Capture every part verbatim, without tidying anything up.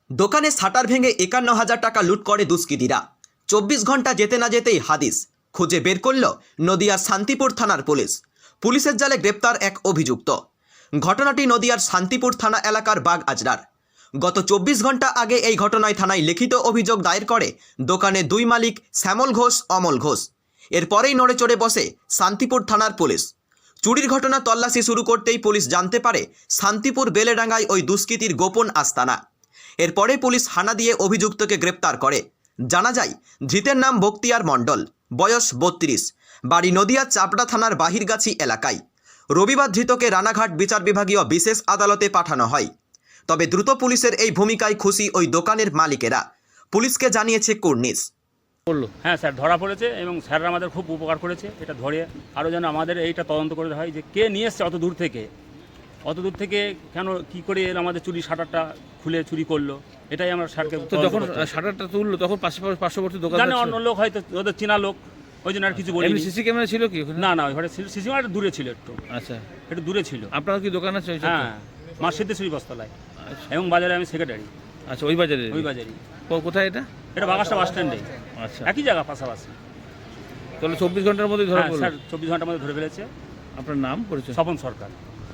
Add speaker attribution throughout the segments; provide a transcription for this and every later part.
Speaker 1: দোকানে শাটার ভেঙে একান্ন হাজার টাকা লুট করে দুষ্কৃতীরা। চব্বিশ ঘন্টা যেতে না যেতেই হাদিস খুঁজে বের করল নদিয়ার শান্তিপুর থানার পুলিশ। পুলিশের জালে গ্রেপ্তার এক অভিযুক্ত। ঘটনাটি নদিয়ার শান্তিপুর থানা এলাকার বাগ আজরার। গত চব্বিশ ঘন্টা আগে এই ঘটনায় থানায় লিখিত অভিযোগ দায়ের করে দোকানে দুই মালিক শ্যামল ঘোষ, অমল ঘোষ। এরপরেই নড়ে চড়ে বসে শান্তিপুর থানার পুলিশ। চুরির ঘটনা তল্লাশি শুরু করতেই পুলিশ জানতে পারে শান্তিপুর বেলেডাঙ্গায় ওই দুষ্কৃতীর গোপন আস্তানা। এরপরে পুলিশ হানা দিয়ে অভিযুক্তকে গ্রেপ্তার করে। জানা যায় ধৃতের নাম বক্তিয়ার মণ্ডল, বয়স বত্রিশ, বাড়ি নদিয়া চাপড়া থানার বাহিরগাছি এলাকায়। রবিবার ধৃতকে রানাঘাট বিচার বিভাগীয় বিশেষ আদালতে পাঠানো হয়। তবে দ্রুত পুলিশের এই ভূমিকায় খুশি ওই দোকানের মালিকেরা। পুলিশকে জানিয়েছে কুর্নিশ।
Speaker 2: বললো হ্যাঁ স্যার ধরা পড়েছে এবং স্যাররা আমাদের খুব উপকার করেছে। এটা ধরে আরও যেন আমাদের এইটা তদন্ত করে হয় যে কে নিয়ে এসছে অত দূর থেকে, অত দূর থেকে কেন কী করে এর আমাদের চুরি শাটারটা খুলে চুরি করলো, এটাই আমরা স্যারকে।
Speaker 3: তো যখন শাটারটা তুললো তখন পাশে পার্শ্ববর্তী দোকান
Speaker 2: জানে অন্য লোক হয়তো ওদের চেনা লোক, ওই জন্য আর কিছু বলি।
Speaker 3: সিসি ক্যামেরা ছিল কি?
Speaker 2: না না ওইখানে সিসি ক্যামেরা দূরে ছিল, একটু
Speaker 3: আচ্ছা
Speaker 2: একটু দূরে ছিল।
Speaker 3: আপনার কি দোকান আছে?
Speaker 2: হ্যাঁ, মা সিদ্ধেশ্বরী বস্তালায় এবং বাজারে আমি সেক্রেটারি।
Speaker 3: আচ্ছা, ওই বাজারে?
Speaker 2: ওই বাজারে।
Speaker 3: কোথায় এটা?
Speaker 2: এটা বাগাসটা বাস স্ট্যান্ডে।
Speaker 3: আচ্ছা,
Speaker 2: একই জায়গা পাশাপাশি।
Speaker 3: তাহলে চব্বিশ ঘন্টার মধ্যে ধরা পড়লো?
Speaker 2: স্যার চব্বিশ ঘন্টার মধ্যে ধরে ফেলেছে।
Speaker 3: আপনার নাম পরিচয়?
Speaker 2: স্বপন সরকার।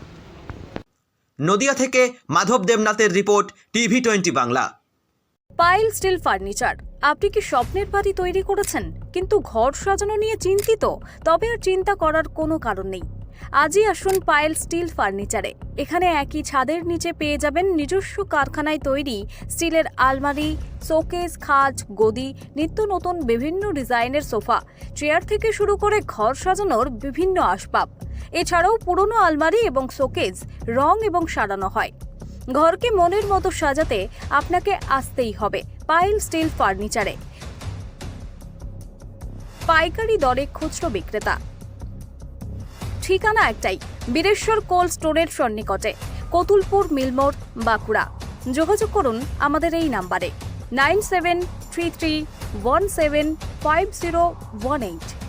Speaker 1: নদিয়া থেকে মাধব দেবনাথের report, TV twenty Bangla.
Speaker 4: Pile steel furniture. আপনি কি স্বপ্নের বাড়ি তৈরি করেছেন কিন্তু ঘর সাজানো নিয়ে চিন্তিত? তবে আর চিন্তা করার কোনো কারণ নেই। আজই আসুন পাইল স্টিল ফার্নিচারে। এখানে একই ছাদের নিচে পেয়ে যাবেন নিজস্ব কারখানায় তৈরি স্টিলের আলমারি, শোকেস, খাট, গদি, নিত্য নতুন বিভিন্ন ডিজাইনের সোফা, চেয়ার থেকে শুরু করে ঘর সাজানোর বিভিন্ন আসবাব। এছাড়াও পুরনো আলমারি এবং শোকেস রং এবং সারানো হয়। ঘরকে মনের মতো সাজাতে আপনাকে আসতেই হবে পাইল স্টিল ফার্নিচারে। পাইকারি দরে খুচরো বিক্রেতা। ঠিকানা একটাই, বীরেশ্বর কোল্ড স্টোরের সন্নিকটে, কতুলপুর মিলমোড়, বাঁকুড়া। যোগাযোগ করুন আমাদের এই নাম্বারে nine seven three three one seven five zero one eight.